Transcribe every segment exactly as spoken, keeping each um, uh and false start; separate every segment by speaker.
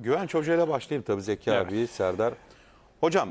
Speaker 1: Güvenç Hoca ile başlayayım tabii Zeki
Speaker 2: Evet.
Speaker 1: abi, Serdar. Hocam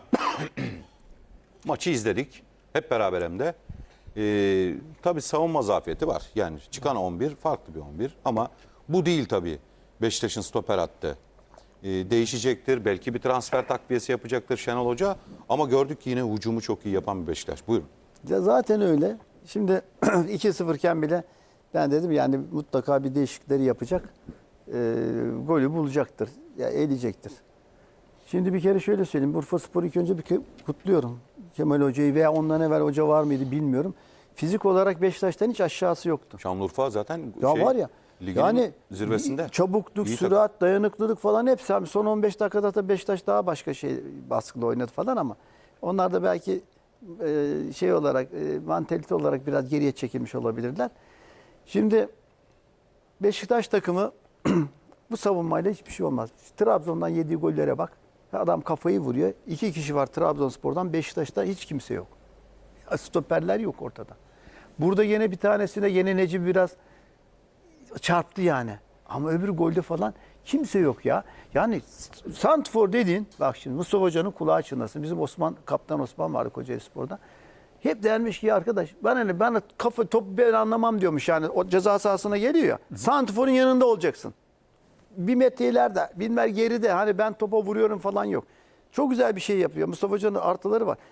Speaker 1: maçı izledik. Hep beraber hem de. Ee, tabii savunma zafiyeti var. Yani çıkan on bir farklı bir on bir ama bu değil tabii. Beşiktaş'ın stoper hattı. Ee, değişecektir. Belki bir transfer takviyesi yapacaktır Şenol Hoca. Ama gördük ki yine hücumu çok iyi yapan bir Beşiktaş. Buyurun.
Speaker 3: Ya zaten öyle. Şimdi iki sıfır iken bile ben dedim yani mutlaka bir değişiklikleri yapacak. E, golü bulacaktır. Ya eleyecektir. Şimdi bir kere şöyle söyleyeyim. Bursaspor'u ilk önce bir ke- kutluyorum. Kemal Hoca'yı veya ondan evvel hoca var mıydı bilmiyorum. Fizik olarak Beşiktaş'tan hiç aşağısı yoktu.
Speaker 1: Şanlıurfa zaten
Speaker 3: Ya
Speaker 1: şey,
Speaker 3: var ya.
Speaker 1: ligin
Speaker 3: Yani
Speaker 1: zirvesinde.
Speaker 3: çabukluk,
Speaker 1: İyi
Speaker 3: sürat, dayanıklılık falan hepsi. Abi son on beş dakikada da Beşiktaş daha başka şey baskılı oynadı falan ama onlar da belki e, şey olarak e, mantalite olarak biraz geriye çekilmiş olabilirler. Şimdi Beşiktaş takımı bu savunmayla hiçbir şey olmaz. Trabzon'dan yediği gollere bak. Adam kafayı vuruyor. İki kişi var Trabzonspor'dan. Beşiktaş'ta hiç kimse yok. Stoperler yok ortada. Burada yine bir tanesine yine Necip biraz çarptı yani. Ama öbür golde falan kimse yok ya. Yani Santfor dediğin, bak şimdi Mustafa Hoca'nın kulağı çınlasın. Bizim Osman, Kaptan Osman vardı Kocaelispor'da. Hep dermiş ki arkadaş ben ne ben kafa top ben anlamam diyormuş yani o ceza sahasına geliyor ya. Santfor'un yanında olacaksın. Bir metre ileride, bilmem geride hani ben topa vuruyorum falan yok. Çok güzel bir şey yapıyor. Mustafa Hoca'nın artıları var.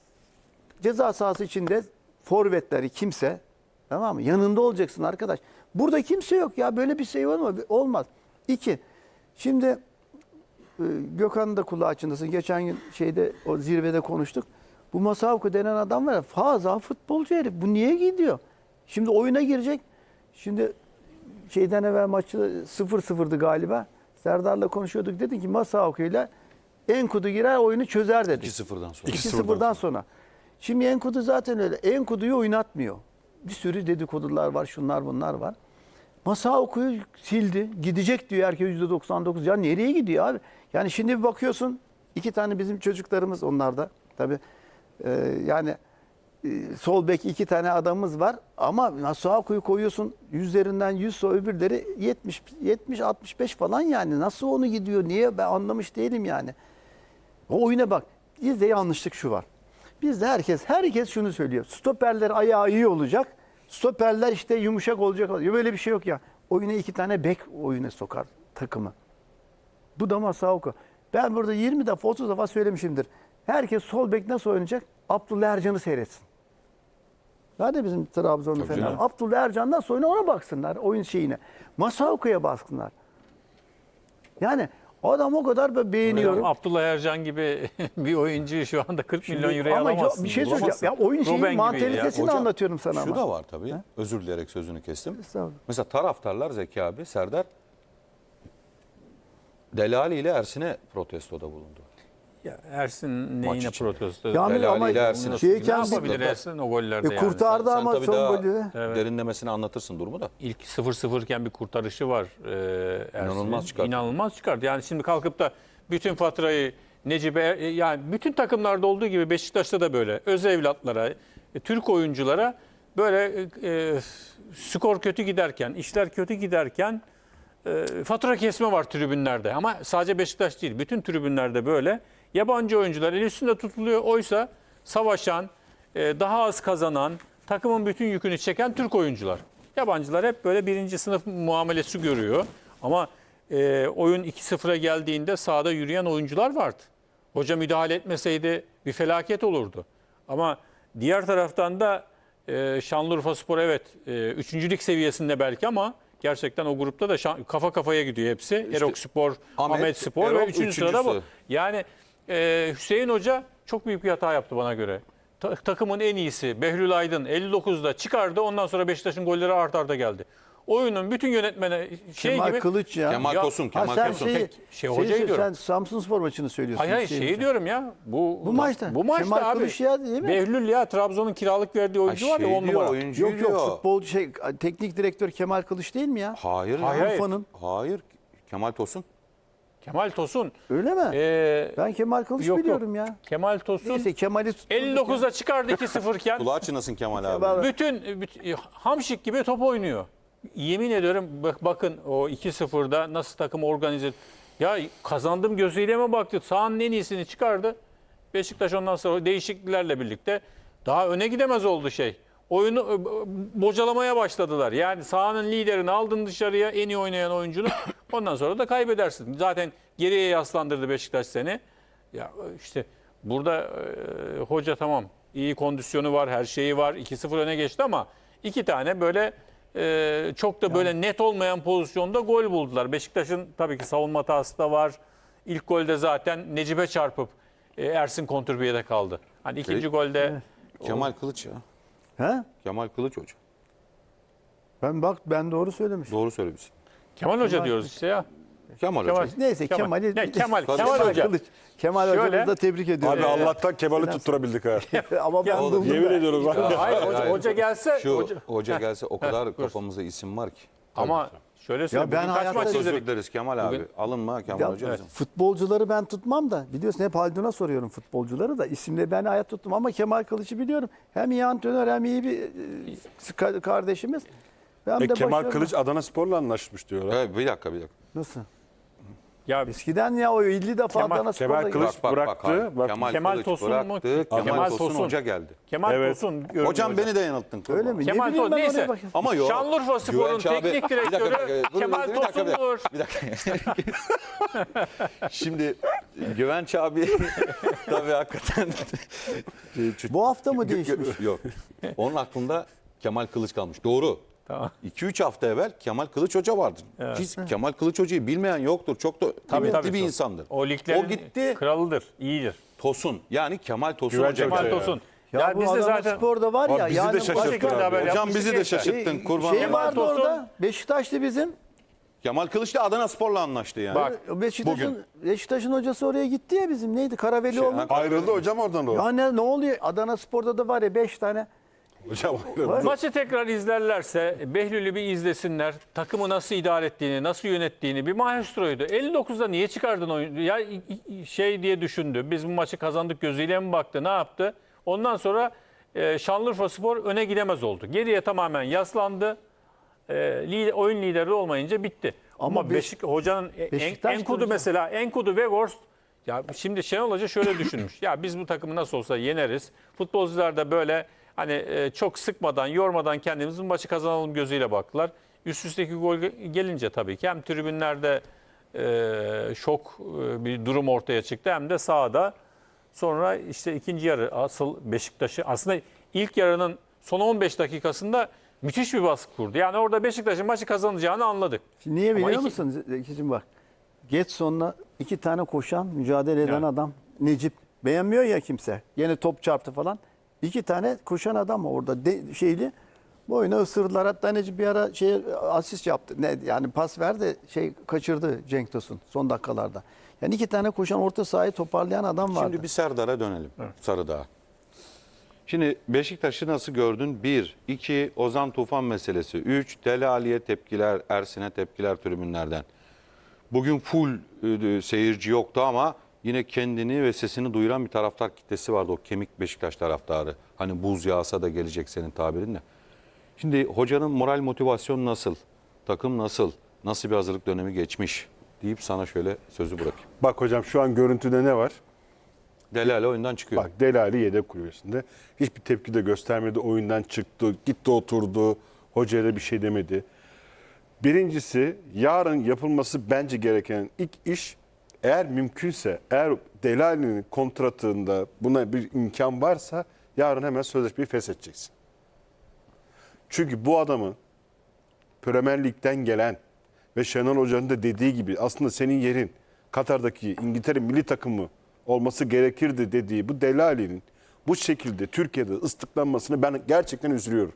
Speaker 3: Ceza sahası içinde forvetleri kimse, tamam mı? Yanında olacaksın arkadaş. Burada kimse yok ya. Böyle bir şey var mı? Olmaz. İki. Şimdi e, Gökhan'ın da kulağı çınlasın. Geçen gün şeyde o zirvede konuştuk. Bu Masavko denen adam var ya fazla futbolcu herif. Bu niye gidiyor? Şimdi oyuna girecek. Şimdi şeyden evvel maçı sıfır sıfırdı galiba. Serdar'la konuşuyorduk. Dedi ki Masavko ile Enkudu girer oyunu çözer dedi.
Speaker 1: iki sıfırdan sonra.
Speaker 3: iki sıfırdan sonra. Şimdi Enkudu zaten öyle. Enkudu'yu oynatmıyor. Bir sürü dedikodular var, şunlar bunlar var. Masaoku'yu sildi. Gidecek diyor herkes yüzde doksan dokuz. Ya nereye gidiyor abi? Yani şimdi bir bakıyorsun iki tane bizim çocuklarımız onlarda. Tabii e, yani e, sol bek iki tane adamımız var. Ama Masaoku'yu koyuyorsun yüzlerinden yüz öbürleri yetmiş yetmiş altmış beş falan yani. Nasıl onu gidiyor? Niye? Ben anlamış değilim yani. O oyuna bak. Bizde yanlışlık şu var. Bizde herkes herkes şunu söylüyor. Stoperler ayağı iyi olacak. Stoperler işte yumuşak olacak. Böyle bir şey yok ya. Oyuna iki tane bek oyuna sokar takımı. Bu da Masauko. Ben burada yirmi defa otuz defa söylemişimdir. Herkes sol bek nasıl oynayacak? Abdullah Ercan'ı seyretsin. Hadi bizim Trabzonlu
Speaker 1: Tabii
Speaker 3: falan.
Speaker 1: canım.
Speaker 3: Abdullah Ercan nasıl oynuyor ona baksınlar. Oyun şeyine. Masauko'ya baksınlar. Yani adam o kadar böyle beğeniyorum.
Speaker 2: Hocam, Abdullah Ercan gibi bir oyuncu şu anda kırk milyon euroya
Speaker 3: Ama
Speaker 2: alamazsın.
Speaker 3: bir şey söyleyeceğim.
Speaker 2: bulamazsın.
Speaker 3: Ya oyun şeyin
Speaker 2: Robben gibiydi ya.
Speaker 3: mantalitesini
Speaker 1: Hocam,
Speaker 3: anlatıyorum sana
Speaker 1: Şu
Speaker 3: ama.
Speaker 1: da var tabii. Özür dileyerek sözünü kestim.
Speaker 3: Estağfurullah.
Speaker 1: Mesela taraftarlar Zeki abi, Serdar Delali ile Ersin'e protestoda bulundu.
Speaker 2: Ya Ersin neyine
Speaker 1: içinde.
Speaker 2: protesto?
Speaker 3: Yani
Speaker 1: Delali
Speaker 3: ama
Speaker 1: ile Ersin'e.
Speaker 3: şey
Speaker 2: Ne
Speaker 3: kendi-
Speaker 2: yapabilir Ersin o gollerde
Speaker 3: E,
Speaker 2: yani?
Speaker 3: kurtardı
Speaker 1: Sen
Speaker 3: ama
Speaker 1: tabii
Speaker 3: son
Speaker 1: daha
Speaker 3: golü.
Speaker 2: Evet.
Speaker 1: derinlemesine anlatırsın durumu da.
Speaker 2: İlk sıfır sıfır iken bir kurtarışı var e, Ersin'in.
Speaker 1: İnanılmaz çıkarttı.
Speaker 2: İnanılmaz çıkarttı. Yani şimdi kalkıp da bütün faturayı Necip'e e, yani bütün takımlarda olduğu gibi Beşiktaş'ta da böyle öz evlatlara, e, Türk oyunculara böyle e, skor kötü giderken, işler kötü giderken e, fatura kesme var tribünlerde. Ama sadece Beşiktaş değil, bütün tribünlerde böyle. Yabancı oyuncular el üstünde tutuluyor. Oysa savaşan, e, daha az kazanan, takımın bütün yükünü çeken Türk oyuncular. Yabancılar hep böyle birinci sınıf muamelesi görüyor. Ama e, oyun iki sıfıra geldiğinde sahada yürüyen oyuncular vardı. Hoca müdahale etmeseydi bir felaket olurdu. Ama diğer taraftan da e, Şanlıurfaspor evet e, üçüncülük seviyesinde belki ama gerçekten o grupta da şan, kafa kafaya gidiyor hepsi.
Speaker 1: İşte
Speaker 2: Erokspor,
Speaker 1: Ahmet,
Speaker 2: Ahmetspor ve
Speaker 1: Erok
Speaker 2: üçüncü sırada bu.
Speaker 1: üçüncüsü.
Speaker 2: Yani e, Hüseyin Hoca çok büyük bir hata yaptı bana göre. Ta- takımın en iyisi Behlül Aydın elli dokuzda çıkardı. Ondan sonra Beşiktaş'ın golleri art arda geldi. Oyunun bütün yönetmene şey
Speaker 3: Kemal
Speaker 2: gibi.
Speaker 3: Kılıç ya.
Speaker 1: Kemal
Speaker 2: Ya-
Speaker 1: Tosun,
Speaker 3: Ha,
Speaker 1: Kemal
Speaker 3: sen
Speaker 1: Tosun.
Speaker 3: şeyi,
Speaker 2: Peki, şey,
Speaker 3: şeyi-
Speaker 2: hocayı diyorum.
Speaker 3: sen Samsunspor maçını söylüyorsun.
Speaker 2: Hayır hayır
Speaker 3: Hüseyin
Speaker 2: şeyi
Speaker 3: Hoca.
Speaker 2: diyorum ya. Bu
Speaker 3: Bu maçta.
Speaker 2: Bu maçta
Speaker 3: Kemal
Speaker 2: abi.
Speaker 3: Kılıç ya değil mi?
Speaker 2: Behlül ya Trabzon'un kiralık verdiği oyuncu var ya
Speaker 1: şey
Speaker 2: on
Speaker 1: diyor,
Speaker 2: numara.
Speaker 1: oyuncu
Speaker 3: Yok yok
Speaker 1: diyor.
Speaker 3: futbolcu şey teknik direktör Kemal Kılıç değil mi ya?
Speaker 1: Hayır.
Speaker 2: Hayır,
Speaker 1: ya.
Speaker 2: hayır.
Speaker 3: Urfa'nın.
Speaker 1: Hayır. Kemal Tosun.
Speaker 2: Kemal Tosun.
Speaker 3: Öyle mi?
Speaker 2: Ee,
Speaker 3: Ben Kemal Kılıç
Speaker 2: yok, yok.
Speaker 3: biliyorum ya.
Speaker 2: Kemal Tosun
Speaker 3: Neyse Kemal'i tutturduk
Speaker 2: elli dokuzda çıkardı iki sıfır iken
Speaker 1: Kulağı çınlasın Kemal abi.
Speaker 3: Kemal-
Speaker 2: bütün, bütün Hamşik gibi top oynuyor. Yemin ediyorum bak, bakın o iki sıfırda nasıl takım organize Ya kazandım gözüyle mi baktı? Sahanın en iyisini çıkardı. Beşiktaş ondan sonra değişikliklerle birlikte daha öne gidemez oldu şey. Oyunu e, bocalamaya başladılar. Yani sahanın liderini aldın dışarıya, en iyi oynayan oyuncunu. Ondan sonra da kaybedersin. Zaten geriye yaslandırdı Beşiktaş seni. Ya işte burada e, hoca tamam iyi kondisyonu var, her şeyi var. iki sıfır öne geçti ama iki tane böyle e, çok da böyle net olmayan pozisyonda gol buldular. Beşiktaş'ın tabii ki savunma hatası da var. İlk golde zaten Necip'e çarpıp e, Ersin kontrpiyede kaldı. Hani ikinci
Speaker 1: Şey-
Speaker 2: golde
Speaker 1: Kemal Kılıç ya.
Speaker 3: He?
Speaker 1: Kemal Kılıç Hoca.
Speaker 3: Ben bak ben doğru söylemişim.
Speaker 1: Doğru söylemişsin.
Speaker 2: Kemal Hoca diyoruz işte ya.
Speaker 1: Kemal,
Speaker 2: Kemal.
Speaker 1: Hoca.
Speaker 3: Neyse
Speaker 2: Kemal.
Speaker 3: Kemal'i
Speaker 2: Ne, Kemal,
Speaker 1: Kemal
Speaker 2: Kemal Hoca.
Speaker 3: Kılıç. Kemal
Speaker 2: Şöyle-
Speaker 3: hocamızı da tebrik ediyorum.
Speaker 4: Abi Allah'tan Kemal'i tutturabildik ha.
Speaker 3: Ama ben
Speaker 1: Oğlum,
Speaker 3: buldum
Speaker 4: Yemin
Speaker 3: da.
Speaker 4: ediyorum bak.
Speaker 2: Hayır,
Speaker 1: Hayır,
Speaker 2: hoca,
Speaker 1: hayır.
Speaker 2: hoca gelse
Speaker 1: Şu
Speaker 2: hoca,
Speaker 1: hoca, gelse o kadar kafamızda isim var ki.
Speaker 2: ama şöyle söyleyeyim.
Speaker 3: ben
Speaker 2: bugün kaç
Speaker 3: hayatta-
Speaker 2: maç
Speaker 1: Çok özür
Speaker 2: izledik?
Speaker 1: dileriz Kemal abi.
Speaker 2: Bugün-
Speaker 1: Alınma Kemal
Speaker 3: Ya,
Speaker 1: Hoca bizim.
Speaker 3: futbolcuları ben tutmam da biliyorsun hep Haldun'a soruyorum futbolcuları da isimle ben hayat tuttum ama Kemal Kılıç'ı biliyorum. Hem iyi antrenör hem iyi bir e, ka- kardeşimiz. Ben
Speaker 4: E,
Speaker 3: de
Speaker 4: Kemal
Speaker 3: başarılı.
Speaker 4: Kılıç Adana Spor'la anlaşmış diyorlar.
Speaker 1: Evet, bir dakika bir dakika.
Speaker 3: Nasıl?
Speaker 2: Ya
Speaker 3: Eskiden ya o elli defa
Speaker 2: Kemal-
Speaker 3: Adana
Speaker 4: Kemal
Speaker 3: Spor'da
Speaker 4: Kılıç-
Speaker 1: Bak bak
Speaker 4: bıraktı,
Speaker 1: bak. hayır.
Speaker 4: bak-
Speaker 1: Kemal,
Speaker 2: Kemal
Speaker 1: Kılıç
Speaker 2: Tosun mu?
Speaker 1: bıraktı. Kemal,
Speaker 2: Kemal
Speaker 1: Tosun,
Speaker 2: Tosun.
Speaker 1: Hoca geldi.
Speaker 2: Kemal
Speaker 4: Evet.
Speaker 2: Tosun göründü
Speaker 1: Hocam
Speaker 2: hoca.
Speaker 1: beni de yanılttın.
Speaker 3: Öyle mi?
Speaker 2: Kemal
Speaker 3: ne bileyim
Speaker 2: Tosun
Speaker 3: ben oraya
Speaker 2: neyse.
Speaker 3: bakayım.
Speaker 1: Ama yok.
Speaker 2: Şanlıurfa Spor'un
Speaker 1: Güvenç abi-
Speaker 2: teknik
Speaker 1: Bir dakika, bir
Speaker 2: direktörü
Speaker 1: dakika. Dur,
Speaker 2: Kemal
Speaker 1: bir dakika, bir dakika.
Speaker 2: Tosun'dur.
Speaker 1: Bir dakika. Şimdi Güvenç abi tabii hakikaten
Speaker 3: Bu hafta mı
Speaker 1: Gö-
Speaker 3: değişmiş?
Speaker 1: gö- Yok. Onun aklında Kemal Kılıç kalmış. Doğru.
Speaker 2: Tamam.
Speaker 1: iki üç hafta evvel Kemal Kılıç Hoca vardı. Hiç Kemal Kılıç Hoca'yı bilmeyen yoktur. Çok da kıymetli bir
Speaker 2: Tosun.
Speaker 1: insandır.
Speaker 2: O liglerin
Speaker 1: O gitti.
Speaker 2: kralıdır, iyidir.
Speaker 1: Tosun. Yani Kemal Tosun
Speaker 4: Güvenç
Speaker 1: Hoca
Speaker 4: Hoca
Speaker 2: Kemal
Speaker 1: geldi.
Speaker 4: ya.
Speaker 2: Tosun.
Speaker 3: Ya,
Speaker 2: Ya,
Speaker 3: bu
Speaker 2: biz de
Speaker 3: Adana
Speaker 2: zaten
Speaker 3: Spor'da var ya.
Speaker 4: Abi bizi de
Speaker 3: yani
Speaker 4: şaşırttın
Speaker 2: o şekilde
Speaker 4: abi.
Speaker 2: haber
Speaker 1: Hocam
Speaker 2: yapmıştık
Speaker 1: bizi de
Speaker 2: gençler.
Speaker 1: şaşırttın. Kurban
Speaker 3: Şey
Speaker 1: olayım.
Speaker 3: vardı
Speaker 2: Tosun-
Speaker 3: orada. Beşiktaşlı bizim.
Speaker 1: Kemal Kılıç da Adana Spor'la anlaştı yani.
Speaker 2: Bak,
Speaker 3: Beşiktaş'ın Beşiktaş'ın hocası oraya gitti ya bizim. Neydi? Karavelioğlu.
Speaker 1: ha-
Speaker 4: Ayrıldı hocam oradan o.
Speaker 3: Ya ne, ne oluyor? Adana Spor'da da var ya beş tane.
Speaker 4: Hocam ayrıldı.
Speaker 2: Maçı tekrar izlerlerse Behlül'ü bir izlesinler. Takımı nasıl idare ettiğini, nasıl yönettiğini. Bir maestroydu. elli dokuzda niye çıkardın oyunu? Ya i- i- şey diye düşündü. Biz bu maçı kazandık gözüyle mi baktı? Ne yaptı? Ondan sonra e, Şanlıurfaspor öne gidemez oldu. Geriye tamamen yaslandı. E, lider, oyun lideri olmayınca bitti. Ama,
Speaker 3: Ama
Speaker 2: Beşik hocanın e, en,
Speaker 3: Beşiktaş da
Speaker 2: Enkudu
Speaker 3: hocam.
Speaker 2: mesela Enkudu ve Gorst ya şimdi Şenol Hoca şöyle düşünmüş. Ya biz bu takımı nasıl olsa yeneriz. Futbolcular da böyle hani e, çok sıkmadan, yormadan kendimiz bu maçı kazanalım gözüyle baktılar. Üst üsteki gol gelince tabii ki hem tribünlerde e, şok e, bir durum ortaya çıktı hem de sahada. Sonra işte ikinci yarı asıl Beşiktaş'ı aslında ilk yarının son on beş dakikasında müthiş bir baskı kurdu. Yani orada Beşiktaş'ın maçı kazanacağını anladık.
Speaker 3: Şimdi niye
Speaker 2: Ama
Speaker 3: biliyor
Speaker 2: iki-
Speaker 3: musun Zekicim bak. Getson'la iki tane koşan, mücadele eden
Speaker 2: Yani.
Speaker 3: adam. Necip. Beğenmiyor ya kimse. Yine top çarptı falan. İki tane koşan adam var orada de, şeyli. Boyuna ısırdılar. Hatta Necip bir ara şey asist yaptı. Ne yani pas verdi, şey kaçırdı Cenk Tosun son dakikalarda. Yani iki tane koşan orta sahayı toparlayan adam vardı.
Speaker 1: Şimdi bir Serdar'a dönelim. Sarıdağ. Şimdi Beşiktaş'ı nasıl gördün? Bir. iki Ozan Tufan meselesi. Üç. Dele Ali'ye tepkiler, Ersin'e tepkiler tribünlerden. Bugün full e, seyirci yoktu ama yine kendini ve sesini duyuran bir taraftar kitlesi vardı. O kemik Beşiktaş taraftarı. Hani buz yağsa da gelecek senin tabirinle. Şimdi hocanın moral motivasyonu nasıl? Takım nasıl? Nasıl bir hazırlık dönemi geçmiş? Deyip sana şöyle sözü bırakayım.
Speaker 4: Bak hocam şu an görüntüde ne var?
Speaker 1: Dele Ali oyundan çıkıyor.
Speaker 4: Bak Delali yedek kulübesinde. Hiçbir tepki de göstermedi. Oyundan çıktı. Gitti oturdu. Hocaya da bir şey demedi. Birincisi yarın yapılması bence gereken ilk iş eğer mümkünse eğer Delali'nin kontratında buna bir imkan varsa yarın hemen sözleşmeyi feshedeceksin. Çünkü bu adamın Premier Lig'den gelen ve Şenol Hoca'nın da dediği gibi aslında senin yerin Katar'daki İngiltere milli takımı olması gerekirdi dediği bu Delali'nin bu şekilde Türkiye'de ıslıklanmasını ben gerçekten üzülüyorum.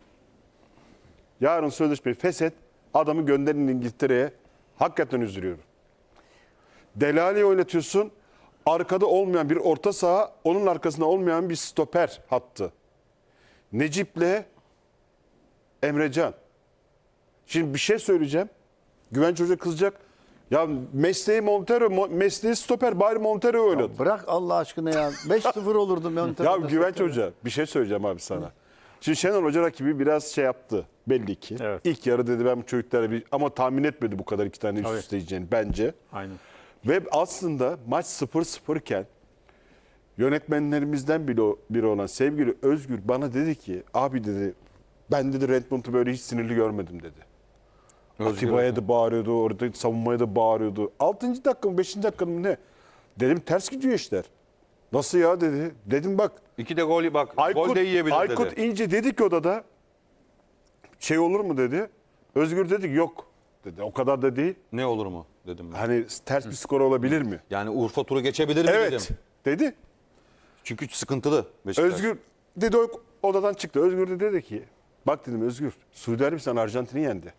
Speaker 4: Yarın sözleşmeyi feshet, adamı gönderin İngiltere'ye. Hakikaten üzülüyorum. Delali'yi oynatıyorsun, arkada olmayan bir orta saha, onun arkasında olmayan bir stoper hattı. Necip'le Emrecan. Şimdi bir şey söyleyeceğim. Güvenç Hoca kızacak. Ya mesleği Montero, mo- mesleği stoper, bari Montero oynadı.
Speaker 3: Bırak Allah aşkına ya. beş sıfır olurdu.
Speaker 4: Ya Güvenç Hoca bir şey söyleyeceğim abi sana. Şimdi Şenol Hoca rakibi biraz şey yaptı belli ki.
Speaker 2: Evet.
Speaker 4: İlk yarı dedi ben bu çocuklara bir ama tahmin etmedi bu kadar iki tane üst
Speaker 2: Tabii.
Speaker 4: üste yiyeceğini bence.
Speaker 2: Aynen.
Speaker 4: Ve aslında maç sıfır sıfır iken yönetmenlerimizden biri, biri olan sevgili Özgür bana dedi ki abi dedi ben dedi Redmond'u böyle hiç sinirli görmedim dedi. Atiba'ya da bağırıyordu, orada savunmaya da bağırıyordu. altıncı dakika mı beşinci dakika mı ne? Dedim ters gidiyor işler. Nasıl ya dedi. Dedim bak
Speaker 1: İki de gol bak.
Speaker 4: Aykut,
Speaker 1: gol de yiyebilir
Speaker 4: Aykut
Speaker 1: dedi.
Speaker 4: İnce dedi ki odada şey olur mu dedi. Özgür dedi ki yok dedi. O kadar da değil.
Speaker 1: Ne olur mu dedim ben.
Speaker 4: Hani ters bir skor olabilir mi?
Speaker 1: Yani Urfa turu geçebilir mi
Speaker 4: Evet
Speaker 1: dedim.
Speaker 4: dedi.
Speaker 1: Çünkü sıkıntılı Beşiktaş.
Speaker 4: Özgür dedi o odadan çıktı. Özgür de dedi ki bak dedim Özgür Suudi Arabistan Arjantin'i yendi.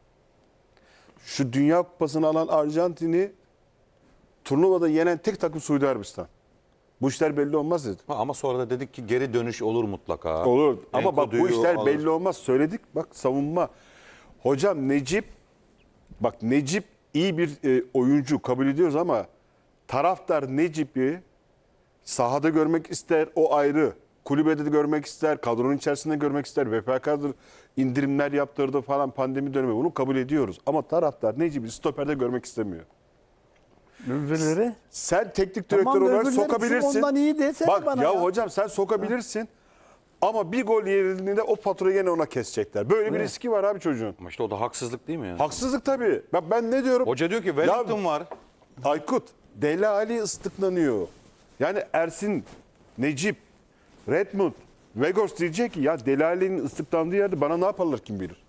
Speaker 4: Şu Dünya Kupası'nı alan Arjantin'i turnuvada yenen tek takım Suudi Arabistan. Bu işler belli olmaz dedi.
Speaker 1: Ha, ama sonra da dedik ki geri dönüş olur mutlaka.
Speaker 4: Olur ama bak bu
Speaker 1: Enkudu'yu
Speaker 4: işler
Speaker 1: alır.
Speaker 4: belli olmaz. Söyledik bak savunma. Hocam Necip bak Necip iyi bir e, oyuncu kabul ediyoruz ama taraftar Necip'i sahada görmek ister o ayrı. Kulübede de görmek ister, kadronun içerisinde görmek ister. V F K'dır indirimler yaptırdı falan pandemi dönemi bunu kabul ediyoruz. Ama taraftar Necip'i stoperde görmek istemiyor.
Speaker 3: Öbürleri.
Speaker 4: Sen teknik
Speaker 3: Tamam,
Speaker 4: direktör olarak
Speaker 3: öbürleri
Speaker 4: sokabilirsin.
Speaker 3: ondan iyi desene
Speaker 4: Bak
Speaker 3: bana
Speaker 4: ya,
Speaker 3: ya.
Speaker 4: hocam sen sokabilirsin. Ama bir gol yerinde o faturayı gene ona kesecekler. Böyle bir
Speaker 3: Evet.
Speaker 4: riski var abi çocuğun.
Speaker 1: Ama işte o da haksızlık değil mi ya?
Speaker 4: Haksızlık tabii. Bak ben ne diyorum?
Speaker 1: Hoca diyor ki Wellington var.
Speaker 4: Aykut, Dele Ali ıslıklanıyor. Yani Ersin, Necip, Redmond, Vegos diyecek ki ya Dele Ali'nin ıslıklandığı yerde bana ne yaparlar kim bilir.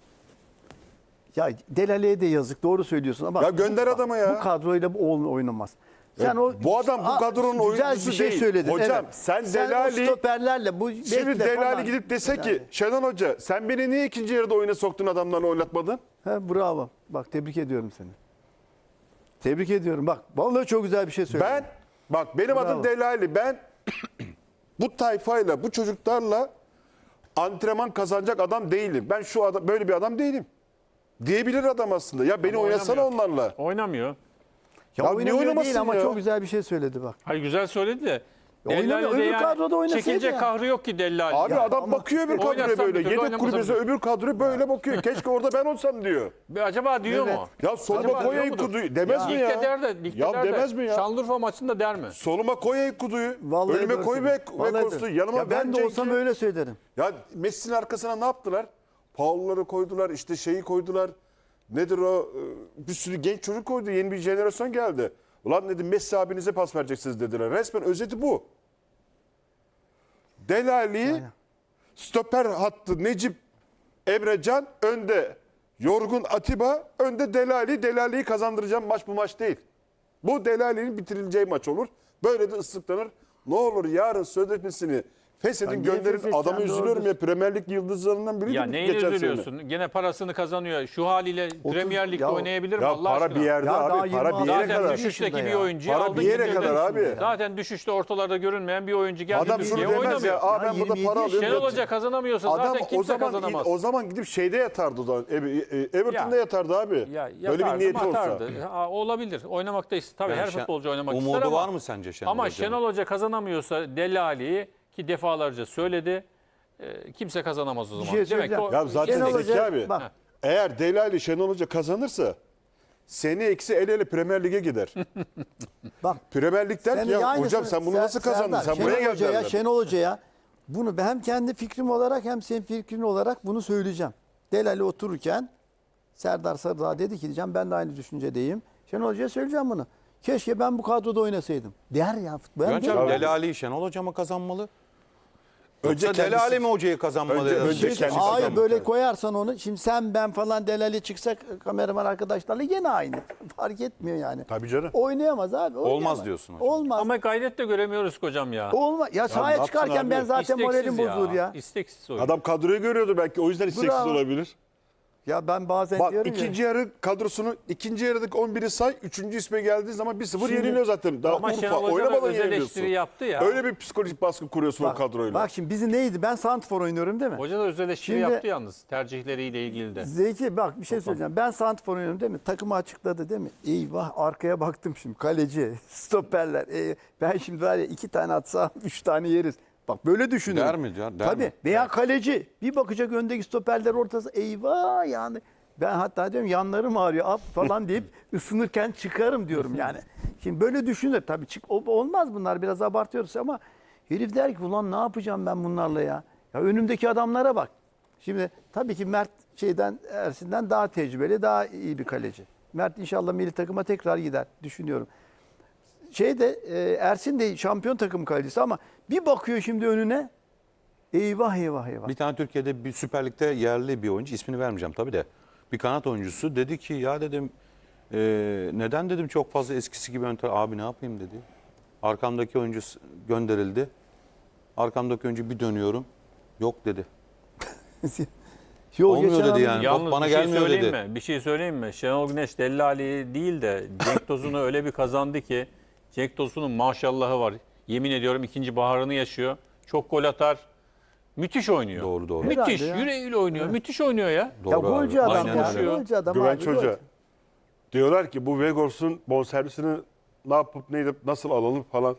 Speaker 3: Ya Delale'ye de yazık doğru söylüyorsun ama
Speaker 4: Ya gönder
Speaker 3: bu,
Speaker 4: adamı ya.
Speaker 3: Bu kadroyla bu oğlum oynamaz. Sen
Speaker 4: Ya
Speaker 3: o
Speaker 4: bu adam bu
Speaker 3: Aa,
Speaker 4: kadronun
Speaker 3: güzel
Speaker 4: oyuncusu
Speaker 3: bir şey
Speaker 4: değil.
Speaker 3: söyledin.
Speaker 4: Hocam,
Speaker 3: evet.
Speaker 4: sen
Speaker 3: sen
Speaker 4: Delali-
Speaker 3: o stoperlerle bu
Speaker 4: Şimdi
Speaker 3: bekle
Speaker 4: Dele
Speaker 3: falan.
Speaker 4: Ali gidip dese ki
Speaker 3: Yani.
Speaker 4: Şenol Hoca sen beni niye ikinci yarıda oyuna soktun adamlarla oynatmadın?
Speaker 3: He, bravo. Bak tebrik ediyorum seni. Tebrik ediyorum. Bak vallahi çok güzel bir şey söyledin.
Speaker 4: Ben bak benim
Speaker 3: Bravo.
Speaker 4: adım Dele Ali. Ben bu tayfayla bu çocuklarla antrenman kazanacak adam değilim. Ben şu adam böyle bir adam değilim. Diyebilir adam aslında. Ya beni
Speaker 2: Ama
Speaker 4: oynasana
Speaker 2: oynamıyor.
Speaker 4: onlarla.
Speaker 2: Oynamıyor.
Speaker 3: ya,
Speaker 4: Ya niye
Speaker 3: oynamıyor
Speaker 4: oynamasın
Speaker 3: değil ama
Speaker 4: ya?
Speaker 3: çok güzel bir şey söyledi bak.
Speaker 2: Hayır güzel söyledi de.
Speaker 3: oynamıyor,
Speaker 2: Dellali de
Speaker 3: öbür kadroda oynasaydı
Speaker 2: çekince
Speaker 3: ya.
Speaker 2: kahrı yok ki Dellali.
Speaker 4: Abi
Speaker 3: Ya
Speaker 4: adam
Speaker 3: ama
Speaker 4: bakıyor öbür kadroya
Speaker 2: oynasam
Speaker 4: böyle.
Speaker 2: bir türlü,
Speaker 4: Yedek
Speaker 2: oynamasam
Speaker 4: kulübesi
Speaker 2: bir türlü.
Speaker 4: öbür kadroya böyle bakıyor. Keşke orada ben olsam diyor.
Speaker 2: Bir acaba diyor
Speaker 3: Evet.
Speaker 2: mu?
Speaker 4: Ya soluma
Speaker 2: Acaba
Speaker 4: koyayım
Speaker 2: diyor mudur?
Speaker 4: kuduyu. Demez mi ya?
Speaker 2: Ligde der de, ligde
Speaker 4: Ya
Speaker 2: der de.
Speaker 4: demez mi ya?
Speaker 2: Şanlıurfa maçında der mi?
Speaker 4: Soluma koyayım kuduyu.
Speaker 3: Vallahi
Speaker 4: Önüme
Speaker 3: böyle
Speaker 4: koy
Speaker 3: söyledi.
Speaker 4: ve,
Speaker 3: Vallahi
Speaker 4: ve kostu.
Speaker 3: böyle.
Speaker 4: Yanıma
Speaker 3: ya ben de
Speaker 4: Cenk'i-
Speaker 3: olsam öyle söylerim.
Speaker 4: Ya Messi'nin arkasına ne yaptılar? Paul'ları koydular, işte şeyi koydular. Nedir o? Ee, Bir sürü genç çocuk koydu. Yeni bir jenerasyon geldi. Ulan dedim Messi abinize pas vereceksiniz dediler. Resmen özeti bu. Delali, stoper hattı Necip, Emrecan, önde yorgun Atiba, önde Delali. Delali'yi kazandıracağım maç bu maç değil. Bu Delali'nin bitirileceği maç olur. Böyle de ıslıklanır. Ne olur yarın sözleşmesini feshedin
Speaker 3: Ya niye
Speaker 4: gönderin.
Speaker 3: feshedeceksin?
Speaker 4: Adamı üzülüyorum
Speaker 3: Doğrudur.
Speaker 4: ya. Premier Lig yıldızlarından biri.
Speaker 2: Ya neyine üzülüyorsun? Gene parasını kazanıyor. Şu haliyle Premier Lig'de
Speaker 3: ya-
Speaker 2: oynayabilir mi
Speaker 4: Ya
Speaker 2: Allah
Speaker 4: para
Speaker 2: aşkına?
Speaker 4: bir yerde
Speaker 3: Ya daha
Speaker 4: abi. Para
Speaker 3: yirmi
Speaker 4: bir yere
Speaker 2: Zaten
Speaker 4: kadar.
Speaker 2: düşüşteki
Speaker 3: yaşında
Speaker 2: bir
Speaker 3: ya.
Speaker 2: oyuncuyu
Speaker 4: Para
Speaker 2: aldı
Speaker 4: bir yere
Speaker 2: getirdi.
Speaker 4: kadar abi.
Speaker 2: Zaten düşüşte ortalarda görünmeyen bir oyuncu geldi.
Speaker 4: Adam şunu
Speaker 2: Türkiye'ye
Speaker 4: demez
Speaker 2: oynamıyor.
Speaker 4: ya. Aa
Speaker 3: Ya
Speaker 4: ben burada
Speaker 3: yirmi
Speaker 4: para
Speaker 3: yedi
Speaker 4: alıyorum.
Speaker 2: Şenol Hoca kazanamıyorsa
Speaker 4: Adam
Speaker 2: zaten
Speaker 4: o
Speaker 2: kimse
Speaker 4: zaman
Speaker 2: kazanamaz.
Speaker 4: o zaman gidip şeyde yatardı o zaman. E- e- Everton'da
Speaker 2: Ya.
Speaker 4: yatardı abi.
Speaker 2: Ya,
Speaker 4: Böyle bir
Speaker 2: yatardı,
Speaker 4: niyeti olsa.
Speaker 2: matardı. Ha, olabilir. Oynamak da ist- tabii
Speaker 1: Yani
Speaker 2: her
Speaker 1: Şen-
Speaker 2: futbolcu oynamak
Speaker 1: umudu
Speaker 2: ister ama.
Speaker 1: var mı sence Şenol
Speaker 2: Ama
Speaker 1: Hoca'nın?
Speaker 2: Şenol Hoca kazanamıyorsa Delali'yi ki defalarca söyledi. e, kimse kazanamaz o zaman.
Speaker 3: şey söyleyeceğim.
Speaker 4: Ya zaten
Speaker 3: Şenol
Speaker 4: Zeki
Speaker 3: Hoca-
Speaker 4: abi.
Speaker 3: bak.
Speaker 4: Eğer Delali Şenol Hoca kazanırsa seni eksi el ele Premier Lig'e gider.
Speaker 3: Bak
Speaker 4: Premier Lig der
Speaker 3: Sen
Speaker 4: ki ya
Speaker 3: aynısını-
Speaker 4: hocam sen bunu
Speaker 3: Ser-
Speaker 4: nasıl kazandın?
Speaker 3: Serdar,
Speaker 4: Sen buraya
Speaker 3: Şenol
Speaker 4: gel
Speaker 3: Hoca'ya,
Speaker 4: derler.
Speaker 3: Şenol Hoca'ya bunu ben hem kendi fikrim olarak hem senin fikrin olarak bunu söyleyeceğim. Delali otururken Serdar Sarıdağ dedi ki diyeceğim ben de aynı düşüncedeyim. Şenol Hoca'ya söyleyeceğim bunu. Keşke ben bu kadroda oynasaydım. Der ya. Ben
Speaker 1: Bence
Speaker 3: derim.
Speaker 1: Dele Ali Şenol Hoca mı kazanmalı?
Speaker 4: Önce
Speaker 1: Yoksa Dele
Speaker 4: kendisi-
Speaker 1: Ali mi hocayı kazanmalı?
Speaker 4: Önce-
Speaker 1: Yani?
Speaker 4: önce
Speaker 3: Şey,
Speaker 4: kendisi
Speaker 3: hayır
Speaker 4: kazanmak
Speaker 3: böyle
Speaker 4: lazım.
Speaker 3: koyarsan onu. Şimdi sen ben falan Delali çıksak kameraman arkadaşlarla yine aynı. Fark etmiyor yani.
Speaker 4: Tabii canım.
Speaker 3: Oynayamaz abi. oynayamaz.
Speaker 1: diyorsun hocam.
Speaker 3: Olmaz.
Speaker 2: Ama gayret de göremiyoruz hocam ya.
Speaker 3: Olmaz. Ya
Speaker 4: ne
Speaker 3: sahaya
Speaker 4: yapsın
Speaker 3: çıkarken
Speaker 4: abi?
Speaker 3: ben zaten
Speaker 2: İsteksiz
Speaker 3: moralim bozulur ya.
Speaker 2: İsteksiz oyun.
Speaker 4: Adam kadroyu görüyordu belki o yüzden isteksiz
Speaker 3: Bravo.
Speaker 4: olabilir.
Speaker 3: Ya ben bazen
Speaker 4: Bak
Speaker 3: diyorum
Speaker 4: ikinci
Speaker 3: ya.
Speaker 4: yarı kadrosunu ikinci yarıdaki on biri say. Üçüncü isme geldiği zaman bir sıfır
Speaker 3: Şimdi-
Speaker 4: yeniliyor zaten. Daha
Speaker 2: Ama
Speaker 4: Urfa
Speaker 2: Şenol Hoca da
Speaker 4: oynamadan
Speaker 2: öz
Speaker 4: yeniliyorsun.
Speaker 2: eleştiri yaptı ya.
Speaker 4: Öyle bir psikolojik baskı kuruyorsun o
Speaker 3: Bak,
Speaker 4: kadroyla.
Speaker 3: bak şimdi bizi neydi? Ben Santfor oynuyorum değil mi?
Speaker 2: Hoca da öz eleştiri
Speaker 3: Şimdi-
Speaker 2: yaptı yalnız tercihleriyle ilgili de.
Speaker 3: Zeki bak bir şey söyleyeceğim. Ben Santfor oynuyorum değil mi? Takımı açıkladı değil mi? Eyvah arkaya baktım şimdi. Kaleci, stoperler. Ee, ben şimdi var ya iki tane atsam üç tane yeriz. Bak böyle düşünün.
Speaker 1: Der mi ya, der
Speaker 3: Tabii.
Speaker 1: mi?
Speaker 3: Veya kaleci. Bir bakacak öndeki stoperler ortası. Eyvah yani. Ben hatta diyorum yanlarım ağrıyor at falan deyip ısınırken çıkarım diyorum yani. Şimdi böyle düşünür. Tabii çık, o- olmaz bunlar biraz abartıyoruz ama herif der ki ulan ne yapacağım ben bunlarla ya. Ya önümdeki adamlara bak. Şimdi tabii ki Mert şeyden Ersin'den daha tecrübeli, daha iyi bir kaleci. Mert inşallah milli takıma tekrar gider düşünüyorum. Şeyde e, Ersin de şampiyon takım kalecisi ama bir bakıyor şimdi önüne. Eyvah eyvah eyvah.
Speaker 1: Bir tane Türkiye'de bir Süper Lig'de yerli bir oyuncu, ismini vermeyeceğim tabii de. Bir kanat oyuncusu dedi ki ya dedim e, neden dedim çok fazla eskisi gibi ön tarafa- abi ne yapayım dedi. Arkamdaki oyuncu s- gönderildi. Arkamdaki oyuncu bir dönüyorum. Yok dedi.
Speaker 3: Yo,
Speaker 1: Olmuyor
Speaker 3: geçen
Speaker 1: dedi
Speaker 3: hafta-
Speaker 1: yani.
Speaker 2: Yalnız
Speaker 1: bana
Speaker 2: bir şey
Speaker 1: gelmiyor
Speaker 2: söyleyeyim
Speaker 1: dedi.
Speaker 2: mi? Bir şey söyleyeyim mi? Şenol Güneş Dellali değil de Cenk Tosun'u öyle bir kazandı ki Cenk Tosun'un maşallahı var. Yemin ediyorum ikinci baharını yaşıyor. Çok gol atar. Müthiş oynuyor.
Speaker 1: Doğru doğru.
Speaker 2: Müthiş.
Speaker 3: Herhalde ya.
Speaker 2: Yüreğiyle oynuyor. Müthiş oynuyor ya.
Speaker 1: Doğru
Speaker 3: Ya
Speaker 1: abi.
Speaker 3: golcü adam
Speaker 1: Aynen
Speaker 3: ya.
Speaker 1: öyle.
Speaker 3: Golcü adam
Speaker 4: Güvenç
Speaker 3: abi.
Speaker 4: Hoca.
Speaker 3: golcü.
Speaker 4: Diyorlar ki bu Vegors'un bonservisini ne yapıp ne edip nasıl alalım falan.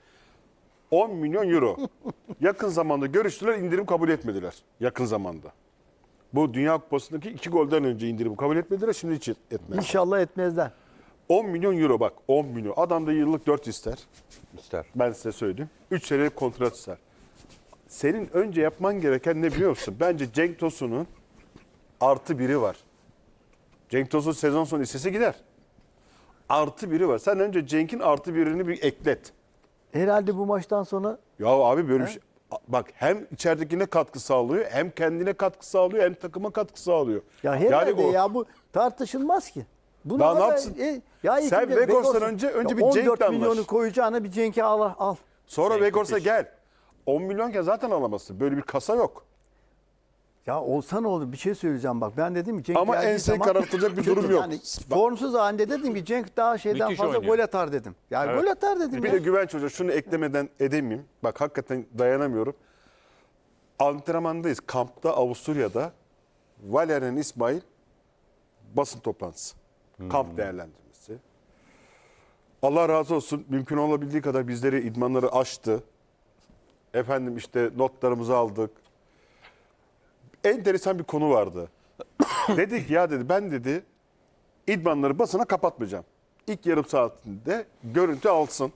Speaker 4: on milyon euro. Yakın zamanda görüştüler, indirim kabul etmediler. Yakın zamanda. Bu Dünya Kupası'ndaki iki golden önce indirim kabul etmediler, şimdi hiç etmez.
Speaker 3: İnşallah etmezler.
Speaker 4: on milyon euro bak, on milyon. Adam da yıllık dört ister.
Speaker 1: İster.
Speaker 4: Ben size söyleyeyim. üç senelik kontrat ister. Senin önce yapman gereken ne biliyor musun? Bence Cenk Tosun'un artı biri var. Cenk Tosun sezon sonu istese gider. Artı biri var. Sen önce Cenk'in artı birini bir eklet.
Speaker 3: Herhalde bu maçtan sonra
Speaker 4: Ya abi böyle bir şey. Bak hem içeridekine katkı sağlıyor, hem kendine katkı sağlıyor, hem takıma katkı sağlıyor.
Speaker 3: ya herhalde
Speaker 4: o-
Speaker 3: ya bu tartışılmaz ki. Bunu
Speaker 4: Daha ne
Speaker 3: da-
Speaker 4: yapsın?
Speaker 3: E, ya
Speaker 4: Sen
Speaker 3: ikinci-
Speaker 4: Vegors'tan
Speaker 3: Vegors'un-
Speaker 4: önce- önce
Speaker 3: ya
Speaker 4: bir Cenk'le
Speaker 3: on dört
Speaker 4: anlaş.
Speaker 3: milyonu koyacağına bir Cenk'i al al.
Speaker 4: Sonra
Speaker 2: Cenk
Speaker 4: Vegors'a
Speaker 2: müthiş.
Speaker 4: gel. on milyonken zaten alamazsın. Böyle bir kasa yok.
Speaker 3: Ya olsa ne olur bir şey söyleyeceğim bak. Ben dedim ki Cenk
Speaker 4: Ama
Speaker 3: geldiği
Speaker 4: enseyi
Speaker 3: zaman-
Speaker 4: karartacak bir durum yok.
Speaker 3: Yani
Speaker 4: Bak-
Speaker 3: formsuz halinde dedim ki Cenk daha şeyden
Speaker 2: Müthiş
Speaker 3: fazla
Speaker 2: oynuyor.
Speaker 3: gol atar dedim. Ya
Speaker 2: Evet.
Speaker 3: gol atar dedim
Speaker 4: Bir
Speaker 3: ya.
Speaker 4: de Güvenç Hoca şunu eklemeden edemeyeyim. Bak hakikaten dayanamıyorum. Antrenmandayız. Kampta Avusturya'da Valerian İsmail basın toplantısı. Kamp değerlendirmesi. Allah razı olsun. Mümkün olabildiği kadar bizleri idmanları açtı. Efendim işte notlarımızı aldık. Enteresan bir konu vardı. Dedik ya dedi ben dedi idmanları basına kapatmayacağım. İlk yarım saatinde görüntü alsın.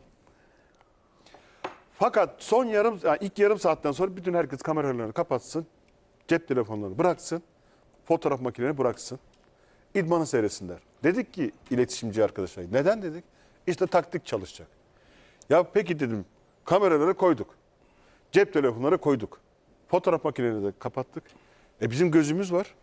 Speaker 4: Fakat son yarım yani ilk yarım saatten sonra bütün herkes kameralarını kapatsın. Cep telefonlarını bıraksın. Fotoğraf makinelerini bıraksın. İdmanı seyretsinler. Dedik ki iletişimci arkadaşlar. Neden dedik? İşte taktik çalışacak. Ya peki dedim kameraları koyduk. Cep telefonları koyduk. Fotoğraf makinelerini de kapattık. E bizim gözümüz var.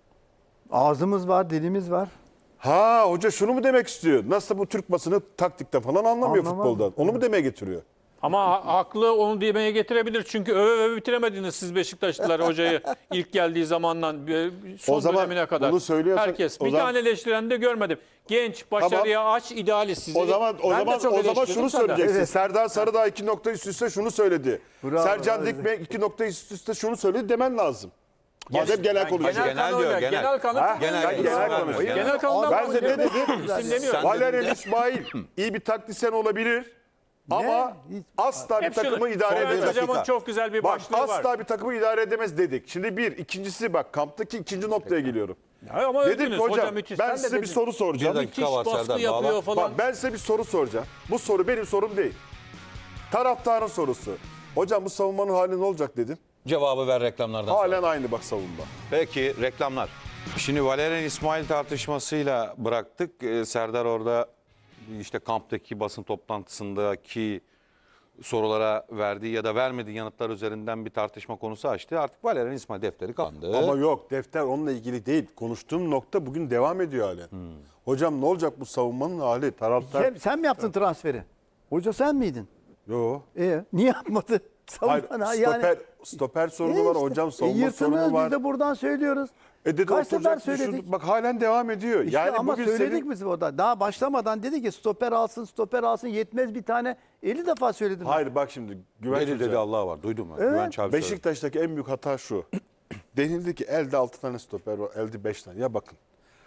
Speaker 3: Ağzımız var, dilimiz var.
Speaker 4: Ha hoca şunu mu demek istiyor? Nasıl bu Türk basını taktikte falan anlamıyor
Speaker 3: Anlamam.
Speaker 4: futboldan. Onu mu demeye getiriyor?
Speaker 2: Ama ha- haklı onu demeye getirebilir. Çünkü öve öve bitiremediniz siz Beşiktaşlılar hocayı ilk geldiği zamandan e, son
Speaker 4: O zaman
Speaker 2: dönemine kadar.
Speaker 4: bunu söylüyorsan-
Speaker 2: Herkes.
Speaker 4: o
Speaker 2: Bir
Speaker 4: zaman-
Speaker 2: tane eleştiren de görmedim. Genç, başarıya aç, idealist sizi.
Speaker 4: O zaman o
Speaker 2: Ben de
Speaker 4: zaman
Speaker 2: çok
Speaker 4: o zaman
Speaker 2: eleştirdim
Speaker 4: şunu
Speaker 2: senden.
Speaker 4: söyleyeceksin.
Speaker 3: Evet.
Speaker 4: Serdar Sarıdağ iki nokta üst üste şunu söyledi.
Speaker 3: Bravo,
Speaker 4: Sercan
Speaker 3: evet.
Speaker 4: Dikme iki nokta üst üste şunu söyledi demen lazım. Madem genel
Speaker 2: Yani
Speaker 4: konuşuyor.
Speaker 2: Genel,
Speaker 1: Genel
Speaker 2: kanı
Speaker 1: diyor,
Speaker 2: öyle.
Speaker 1: genel.
Speaker 2: Genel kanı.
Speaker 4: Ha?
Speaker 1: Genel,
Speaker 4: Sen genel
Speaker 1: genel
Speaker 4: konuş.
Speaker 1: genel.
Speaker 2: Genel kanından
Speaker 4: Ben size ne dedim?
Speaker 2: İsim demiyorum.
Speaker 1: Sen-
Speaker 4: Valerian İsmail iyi bir taktisyen olabilir ama
Speaker 3: Hiç-
Speaker 4: asla bir
Speaker 2: Hep şunu-
Speaker 4: takımı idare
Speaker 2: Soner
Speaker 4: edemez.
Speaker 2: Hocam'ın çok güzel bir
Speaker 4: Bak
Speaker 2: başlığı
Speaker 4: asla
Speaker 2: var.
Speaker 4: bir takımı idare edemez dedik. Şimdi bir, ikincisi bak kamptaki ikinci noktaya geliyorum.
Speaker 2: Ya ama
Speaker 4: Dedim
Speaker 2: övdünüz.
Speaker 4: ki hocam
Speaker 2: Hoca müthiş.
Speaker 4: ben
Speaker 2: Sen de
Speaker 4: size bir
Speaker 2: dedin.
Speaker 4: soru soracağım.
Speaker 1: Bir dakika
Speaker 2: Müthiş
Speaker 1: var
Speaker 2: baskı
Speaker 1: Serdar,
Speaker 2: yapıyor
Speaker 1: bağla.
Speaker 2: falan.
Speaker 4: Bak ben size bir soru soracağım. Bu soru benim sorum değil. Taraftarın sorusu. Hocam bu savunmanın hali ne olacak dedim.
Speaker 1: Cevabı ver reklamlardan sonra.
Speaker 4: Halen aynı bak savunma.
Speaker 1: Peki reklamlar. Şimdi Valerian İsmail tartışmasıyla bıraktık. Ee, Serdar orada işte kamptaki basın toplantısındaki sorulara verdiği ya da vermediği yanıtlar üzerinden bir tartışma konusu açtı. Artık Valerian İsmail defteri kapandı.
Speaker 4: Ama yok defter onunla ilgili değil. Konuştuğum nokta bugün devam ediyor halen. Hocam ne olacak bu savunmanın hali? Taraftar...
Speaker 3: Sen, sen mi yaptın transferi? Hoca sen miydin?
Speaker 4: Yo.
Speaker 3: E, niye yapmadı?
Speaker 4: Hayır,
Speaker 3: Savunma- ha,
Speaker 4: stoper, stoper sorunu
Speaker 3: E
Speaker 4: var
Speaker 3: işte,
Speaker 4: hocam,
Speaker 3: e,
Speaker 4: savunma
Speaker 3: yırtınıyoruz,
Speaker 4: sorunu var.
Speaker 3: Biz de buradan söylüyoruz.
Speaker 4: E dedi
Speaker 3: Kaç sefer
Speaker 4: oturacak,
Speaker 3: söyledik.
Speaker 4: düşündük. Bak halen devam ediyor.
Speaker 3: İşte
Speaker 4: yani
Speaker 3: ama
Speaker 4: bugün
Speaker 3: söyledik
Speaker 4: senin...
Speaker 3: biz orada. Daha başlamadan dedi ki stoper alsın, stoper alsın yetmez bir tane. elli defa söyledim.
Speaker 4: Hayır bak şimdi Güvenç
Speaker 1: Dedi
Speaker 4: Hoca.
Speaker 1: dedi Allah var. Duydun mu? Güvenç abi söyledi.
Speaker 4: Beşiktaş'taki en büyük hata şu. Denildi ki elde altı tane stoper var, elde beş tane. Ya bakın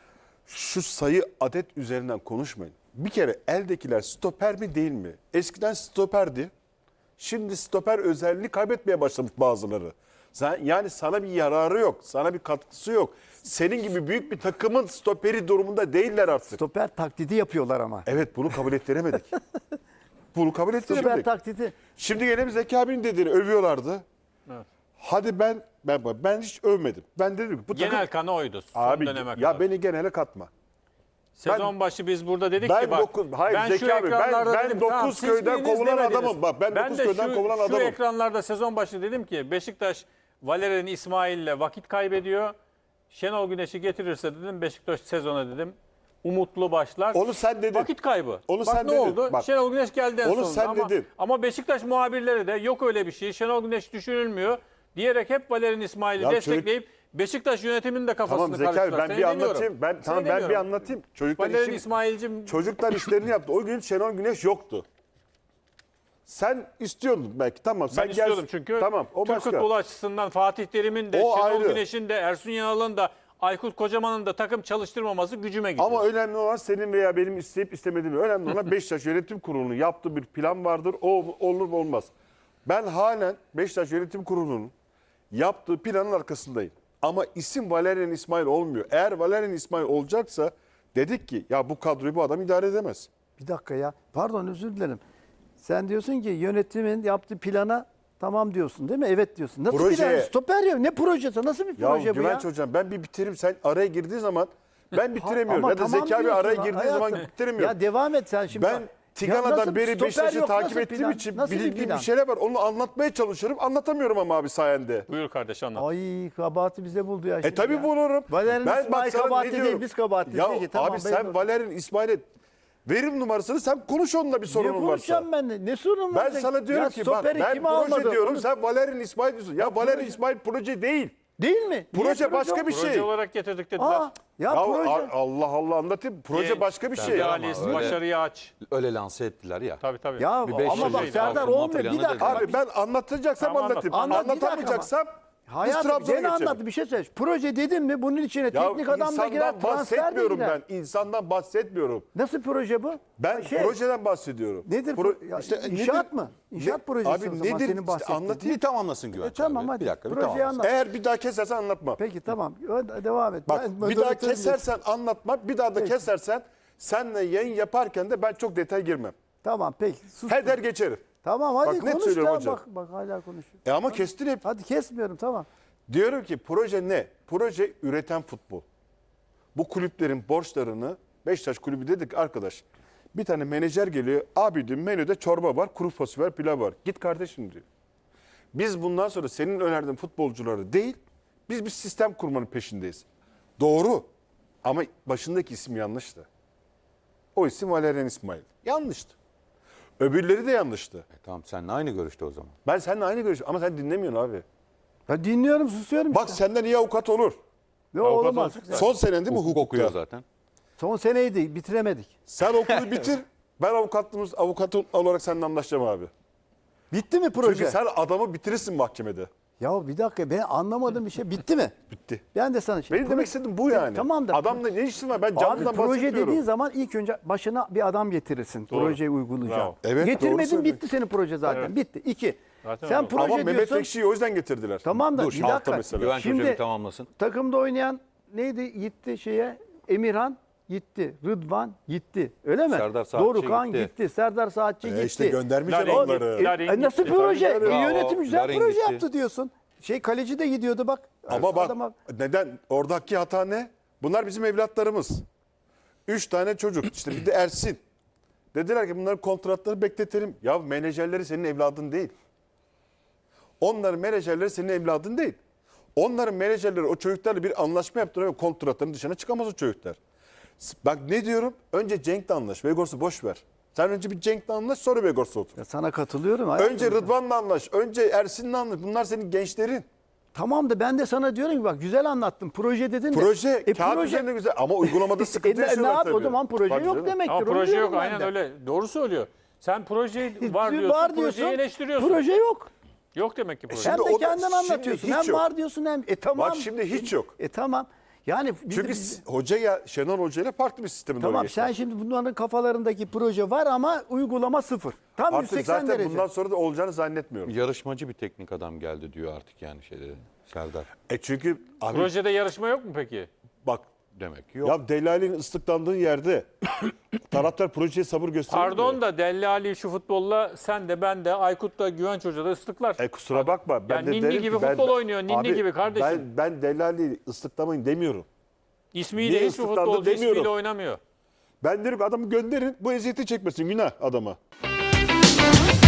Speaker 4: şu sayı adet üzerinden konuşmayın. Bir kere eldekiler stoper mi değil mi? Eskiden stoperdi. Şimdi stoper özelliğini kaybetmeye başlamış bazıları. Sen, yani sana bir yararı yok. Sana bir katkısı yok. Senin gibi büyük bir takımın stoperi durumunda değiller artık.
Speaker 3: Stoper taklidi yapıyorlar ama.
Speaker 4: Evet, bunu kabul ettiremedik. Bunu kabul
Speaker 3: Stoper
Speaker 4: ettiremedik.
Speaker 3: taklidi.
Speaker 4: Şimdi gene bir Zeki abinin dediğini övüyorlardı.
Speaker 2: Evet.
Speaker 4: Hadi ben ben ben hiç övmedim. Ben dedim ki bu takım
Speaker 2: Genel kanı oydu son
Speaker 4: abi
Speaker 2: döneme
Speaker 4: ya
Speaker 2: kadar.
Speaker 4: beni genele katma.
Speaker 2: Sezon başı biz burada dedik
Speaker 4: ben
Speaker 2: ki bak.
Speaker 4: dokuz- hayır,
Speaker 2: ben
Speaker 4: Zeki
Speaker 2: şu
Speaker 4: abi, ben-
Speaker 2: ekranlarda
Speaker 4: ben
Speaker 2: dedim,
Speaker 4: dokuz
Speaker 2: tamam, siz
Speaker 4: köyden
Speaker 2: biriniz
Speaker 4: kovulan
Speaker 2: demediniz.
Speaker 4: adamım. Bak, ben dokuz
Speaker 2: de
Speaker 4: köyden
Speaker 2: şu,
Speaker 4: kovulan
Speaker 2: Şu
Speaker 4: adamım.
Speaker 2: ekranlarda sezon başı dedim ki Beşiktaş Valerian İsmail'le vakit kaybediyor. Şenol Güneş'i getirirse dedim Beşiktaş sezona dedim umutlu başlar.
Speaker 4: Onu sen dedin.
Speaker 2: Vakit kaybı.
Speaker 4: Onu
Speaker 2: Bak
Speaker 4: sen
Speaker 2: ne
Speaker 4: dedin.
Speaker 2: oldu?
Speaker 4: Bak.
Speaker 2: Şenol Güneş geldi en
Speaker 4: Onu
Speaker 2: sonunda.
Speaker 4: sen
Speaker 2: ama,
Speaker 4: dedin.
Speaker 2: ama Beşiktaş muhabirleri de yok öyle bir şey. Şenol Güneş düşünülmüyor diyerek hep Valerian İsmail'i
Speaker 4: Ya
Speaker 2: destekleyip Beşiktaş yönetiminin de kafasını
Speaker 4: Tamam Zeki abi
Speaker 2: karıştılar.
Speaker 4: ben
Speaker 2: Seni
Speaker 4: bir
Speaker 2: demiyorum.
Speaker 4: anlatayım. Ben
Speaker 2: Seni
Speaker 4: tamam ben bir
Speaker 2: demiyorum.
Speaker 4: anlatayım. Çocuklar
Speaker 2: Valerian
Speaker 4: işi,
Speaker 2: İsmail'cim
Speaker 4: çocuklar işlerini yaptı. O gün Şenol Güneş yoktu. Sen istiyordun belki. Tamam sen
Speaker 2: ben istiyordum
Speaker 4: gel-
Speaker 2: çünkü
Speaker 4: Tamam o
Speaker 2: Türk
Speaker 4: başka.
Speaker 2: futbolu açısından Fatih Terim'in de,
Speaker 4: O
Speaker 2: Şenol
Speaker 4: ayrı.
Speaker 2: Güneş'in de, Ersun Yanal'ın da, Aykut Kocaman'ın da takım çalıştırmaması gücüme gidiyor.
Speaker 4: Ama önemli olan senin veya benim isteyip istemediğim. Önemli olan Beşiktaş Yönetim Kurulu'nun yaptığı bir plan vardır. O olur mu olmaz. Ben halen Beşiktaş Yönetim Kurulu'nun yaptığı planın arkasındayım. Ama isim Valerian İsmail olmuyor. Eğer Valerian İsmail olacaksa dedik ki ya bu kadroyu bu adam idare edemez.
Speaker 3: Bir dakika ya. Pardon özür dilerim. Sen diyorsun ki yönetimin yaptığı plana tamam diyorsun değil mi? Evet diyorsun. Nasıl
Speaker 4: Projeye-
Speaker 3: plan? Stoper ya. Ne projesi? Nasıl bir
Speaker 4: Ya
Speaker 3: proje bu ya?
Speaker 4: Güvenç hocam ben bir bitireyim sen araya girdiği zaman ben bitiremiyorum.
Speaker 3: Ama
Speaker 4: Ya da
Speaker 3: tamam
Speaker 4: Zeki abi
Speaker 3: diyorsun
Speaker 4: araya
Speaker 3: ha,
Speaker 4: girdiği zaman
Speaker 3: hayatım.
Speaker 4: bitiremiyorum.
Speaker 3: Ya devam et sen şimdi.
Speaker 4: Ben
Speaker 3: Ya
Speaker 4: Tigana'dan
Speaker 3: nasıl
Speaker 4: beri
Speaker 3: stoper
Speaker 4: Beşiktaş'ı
Speaker 3: yok,
Speaker 4: takip
Speaker 3: nasıl
Speaker 4: ettiğim
Speaker 3: plan?
Speaker 4: için
Speaker 3: Nasıl bir
Speaker 4: bildiğim bir
Speaker 3: plan?
Speaker 4: şeyler var. Onu anlatmaya çalışıyorum. Anlatamıyorum ama abi sayende.
Speaker 2: Buyur kardeş anlat.
Speaker 3: Ay kabahati bize buldu ya.
Speaker 4: E
Speaker 3: şimdi
Speaker 4: tabii
Speaker 3: ya.
Speaker 4: bulurum.
Speaker 3: Valerian
Speaker 4: Ben
Speaker 3: İsmail
Speaker 4: bak sana ne
Speaker 3: kabahati
Speaker 4: diyorum?
Speaker 3: değil biz kabahatiz.
Speaker 4: Ya
Speaker 3: Peki, tamam,
Speaker 4: abi
Speaker 3: ben
Speaker 4: sen
Speaker 3: doğru.
Speaker 4: Valerian İsmail'e verim numarasını sen konuş onunla bir
Speaker 3: Niye
Speaker 4: sorunun varsa.
Speaker 3: konuşacağım ben de? Ne sorun var?
Speaker 4: Ben sana diyorum
Speaker 3: ya,
Speaker 4: ki bak
Speaker 3: stoperi
Speaker 4: ben
Speaker 3: kim
Speaker 4: proje
Speaker 3: almadı?
Speaker 4: diyorum
Speaker 3: Onu-
Speaker 4: sen Valerian İsmail diyorsun. Ya Valerian İsmail proje değil.
Speaker 3: Değil mi? Niye
Speaker 4: Proje başka bir
Speaker 2: Proje
Speaker 4: şey.
Speaker 2: olarak getirdik dediler.
Speaker 3: Aa, ya,
Speaker 4: Ya
Speaker 3: proje.
Speaker 4: a- Allah Allah anlatayım. Proje
Speaker 2: Genç,
Speaker 4: başka bir şey.
Speaker 2: idealist,
Speaker 1: Ama öyle-
Speaker 2: başarıyı aç.
Speaker 1: Öyle lanse ettiler ya.
Speaker 2: Tabii tabii.
Speaker 3: Ya
Speaker 1: Bir beş
Speaker 3: ama
Speaker 1: yıl
Speaker 3: bak
Speaker 1: şeydi,
Speaker 3: Serdar
Speaker 1: alkınma
Speaker 3: olmuyor. Bir
Speaker 1: planı
Speaker 3: dakika.
Speaker 1: dedi.
Speaker 4: Abi ben anlatacaksam
Speaker 2: Tamam,
Speaker 4: anlatayım.
Speaker 3: anlat. Anlat, bir dakika
Speaker 4: Anlatamayacaksam biz
Speaker 3: Hayatım
Speaker 4: Trabzon'a
Speaker 3: gene
Speaker 4: geçelim.
Speaker 3: anlat bir şey söyle. Proje dedim mi bunun içine
Speaker 4: Ya
Speaker 3: teknik adam da girer,
Speaker 4: insandan
Speaker 3: transfer de
Speaker 4: bahsetmiyorum
Speaker 3: girer.
Speaker 4: ben. İnsandan bahsetmiyorum.
Speaker 3: Nasıl proje bu?
Speaker 4: Ben
Speaker 3: Şey,
Speaker 4: projeden bahsediyorum.
Speaker 3: Nedir?
Speaker 4: Pro-
Speaker 3: ya,
Speaker 4: işte
Speaker 3: inşaat
Speaker 4: nedir?
Speaker 3: mı? İnşaat
Speaker 4: Ne-
Speaker 3: projesi
Speaker 4: Abi
Speaker 3: o zaman
Speaker 4: nedir?
Speaker 3: senin
Speaker 4: İşte
Speaker 3: bahsettiğin.
Speaker 4: anlatayım.
Speaker 1: Bir tamamlasın Güvenç
Speaker 3: E, tamam
Speaker 1: abi.
Speaker 3: hadi.
Speaker 1: Bir dakika bir
Speaker 3: Projeyi
Speaker 1: tamamlasın.
Speaker 3: anlat.
Speaker 4: Eğer bir daha kesersen anlatma.
Speaker 3: Peki tamam. Ö- Devam et.
Speaker 4: Bak
Speaker 3: Ben
Speaker 4: bir daha
Speaker 3: moderatörüm
Speaker 4: kesersen anlatma. Bir daha da
Speaker 3: Peki.
Speaker 4: kesersen senle yayın yaparken de ben çok detay girmem.
Speaker 3: diyorsun. Tamam peki. Sus.
Speaker 4: Heder geçerim.
Speaker 3: Tamam hadi
Speaker 4: Bak, net
Speaker 3: konuş
Speaker 4: söylüyorum
Speaker 3: da
Speaker 4: hocam.
Speaker 3: bak bak hala konuşuyor.
Speaker 4: E ama kestin hep.
Speaker 3: Hadi kesmiyorum tamam.
Speaker 4: Diyorum ki proje ne? Proje üreten futbol. Bu kulüplerin borçlarını Beşiktaş kulübü dedik arkadaş. Bir tane menajer geliyor. Abi diyor menüde çorba var, kuru fasulye var, pilav var. Git kardeşim diyor. Biz bundan sonra senin önerdiğin futbolcuları değil, biz bir sistem kurmanın peşindeyiz. Doğru. Ama başındaki isim yanlıştı. O isim Valerian İsmail. Yanlıştı. Öbürleri de yanlıştı.
Speaker 1: E, tamam seninle aynı görüşte o zaman.
Speaker 4: Ben seninle aynı görüşüm ama sen dinlemiyorsun abi.
Speaker 3: Ya dinliyorum susuyorum
Speaker 4: Bak
Speaker 3: işte.
Speaker 4: senden iyi avukat olur.
Speaker 3: Ne
Speaker 2: avukat
Speaker 3: olmaz.
Speaker 2: olsun.
Speaker 4: Son senen değil mi
Speaker 1: Hukuk
Speaker 4: hukukta?
Speaker 1: okuyor zaten.
Speaker 3: Son seneydi bitiremedik.
Speaker 4: Sen okulu bitir. Ben avukatlığımız avukat olarak seninle anlaşacağım abi.
Speaker 3: Bitti mi proje?
Speaker 4: Çünkü sen adamı bitirirsin mahkemede.
Speaker 3: Ya bir dakika ben anlamadığım bir şey bitti mi?
Speaker 4: Bitti.
Speaker 3: Ben de sana şey.
Speaker 4: Benim demek istediğim bu yani.
Speaker 3: Tamam da.
Speaker 4: Adamla ne işin var? Ben
Speaker 3: Abi
Speaker 4: canlıdan
Speaker 3: proje
Speaker 4: bahsetmiyorum.
Speaker 3: dediğin zaman ilk önce başına bir adam getirirsin.
Speaker 2: Doğru.
Speaker 3: Projeyi uygulayacak.
Speaker 2: Bravo.
Speaker 4: Evet, doğru
Speaker 3: Getirmedin
Speaker 4: söylüyorsun.
Speaker 3: bitti senin proje zaten.
Speaker 2: Evet.
Speaker 3: Bitti. İki.
Speaker 2: Zaten
Speaker 3: Sen
Speaker 2: öyle.
Speaker 3: proje
Speaker 4: Ama Mehmet
Speaker 3: diyorsun.
Speaker 4: Ekşi'yi o yüzden getirdiler.
Speaker 3: Tamam da
Speaker 1: Dur,
Speaker 3: bir
Speaker 4: altta
Speaker 3: dakika.
Speaker 4: mesela.
Speaker 1: Güvenç Hoca
Speaker 3: Şimdi
Speaker 1: bir tamamlasın.
Speaker 3: takımda oynayan neydi? Gitti şeye. Emirhan gitti. Rıdvan gitti. Öyle mi?
Speaker 1: Serdar Saatçi
Speaker 3: Dorukan
Speaker 1: gitti.
Speaker 3: gitti. Serdar Saatçi
Speaker 4: E
Speaker 3: gitti.
Speaker 4: işte göndermeyeceksin
Speaker 2: Larin
Speaker 4: onları.
Speaker 2: gitti. Larin
Speaker 3: E nasıl
Speaker 2: gitti.
Speaker 3: proje?
Speaker 2: Tabii,
Speaker 3: E,
Speaker 2: tabii.
Speaker 3: yönetim güzel
Speaker 1: Larin
Speaker 3: proje
Speaker 1: gitti.
Speaker 3: yaptı diyorsun. Şey kaleci de gidiyordu bak.
Speaker 4: Ama bak
Speaker 3: Adama-
Speaker 4: neden? Oradaki hata ne? Bunlar bizim evlatlarımız. Üç tane çocuk. İşte bir de Ersin. Dediler ki bunların kontratları bekletelim. Ya menajerleri senin evladın değil. Onların menajerleri senin evladın değil. Onların menajerleri o çocuklarla bir anlaşma yaptırıyor ve kontratların dışına çıkamaz o çocuklar. Bak ne diyorum? Önce Cenk'le anlaş. Vegors'u boş ver. Sen önce bir Cenk'le anlaş sonra Vegors'u otur.
Speaker 3: Ya sana katılıyorum. hayatım.
Speaker 4: Önce Rıdvan'la anlaş. Önce Ersin'le anlaş. Bunlar senin gençlerin.
Speaker 3: Tamam da ben de sana diyorum ki bak güzel anlattın. Proje dedin de.
Speaker 4: Proje
Speaker 3: E,
Speaker 4: kağıt
Speaker 3: proje-
Speaker 4: üzerinde güzel ama uygulamada
Speaker 3: E,
Speaker 4: sıkıntı
Speaker 3: ne- ne
Speaker 4: yaşıyorlar
Speaker 3: yap?
Speaker 4: tabii.
Speaker 3: O zaman proje
Speaker 4: Tabii
Speaker 3: yok
Speaker 4: canım.
Speaker 3: demektir.
Speaker 2: Ama
Speaker 3: onu
Speaker 2: proje
Speaker 3: diyorum
Speaker 2: yok
Speaker 3: ben
Speaker 2: aynen
Speaker 3: de.
Speaker 2: öyle. Doğru söylüyor. Sen projeyi var diyorsun,
Speaker 3: var
Speaker 2: projeyi
Speaker 3: diyorsun.
Speaker 2: eleştiriyorsun.
Speaker 3: Proje yok.
Speaker 2: Yok demek ki proje.
Speaker 4: Şimdi
Speaker 3: Hem
Speaker 4: o
Speaker 3: de
Speaker 4: da-
Speaker 3: kendin
Speaker 4: şimdi
Speaker 3: anlatıyorsun.
Speaker 4: hiç
Speaker 3: Hem
Speaker 4: yok.
Speaker 3: var diyorsun hem. E tamam.
Speaker 4: Bak şimdi hiç yok.
Speaker 3: E tamam. Yani biz-
Speaker 4: Çünkü
Speaker 3: biz-
Speaker 4: hoca ya Şenol Hoca ile farklı bir sisteme doğru
Speaker 3: tamam
Speaker 4: geçti.
Speaker 3: sen şimdi bunların kafalarındaki proje var ama uygulama sıfır. Tam
Speaker 4: Artık
Speaker 3: yüz seksen
Speaker 4: zaten
Speaker 3: derece.
Speaker 4: bundan sonra da olacağını zannetmiyorum.
Speaker 1: Yarışmacı bir teknik adam geldi diyor artık yani şeyleri Serdar.
Speaker 4: E çünkü abi
Speaker 2: Projede yarışma yok mu peki?
Speaker 4: bak
Speaker 1: Demek ki yok.
Speaker 4: ya Delali'nin ıslıklandığı yerde taraftar projeye sabır gösteriyor.
Speaker 2: Pardon da Delle Ali şu futbolla sen de ben de Aykut da Güvenç Hoca da ıslıklar.
Speaker 4: E kusura bakma. Ben
Speaker 2: Yani
Speaker 4: de
Speaker 2: ninni
Speaker 4: derim
Speaker 2: gibi
Speaker 4: ki ben-
Speaker 2: futbol oynuyor, ninni
Speaker 4: Abi,
Speaker 2: gibi kardeşim.
Speaker 4: Ben, ben Delali'yi ıslıklamayın demiyorum.
Speaker 2: İsmiyle
Speaker 4: niye
Speaker 2: hiçbir
Speaker 4: ıslıklandı
Speaker 2: futbolcu
Speaker 4: demiyorum.
Speaker 2: ismiyle oynamıyor.
Speaker 4: Ben derim ki adamı gönderin bu eziyeti çekmesin günah adama.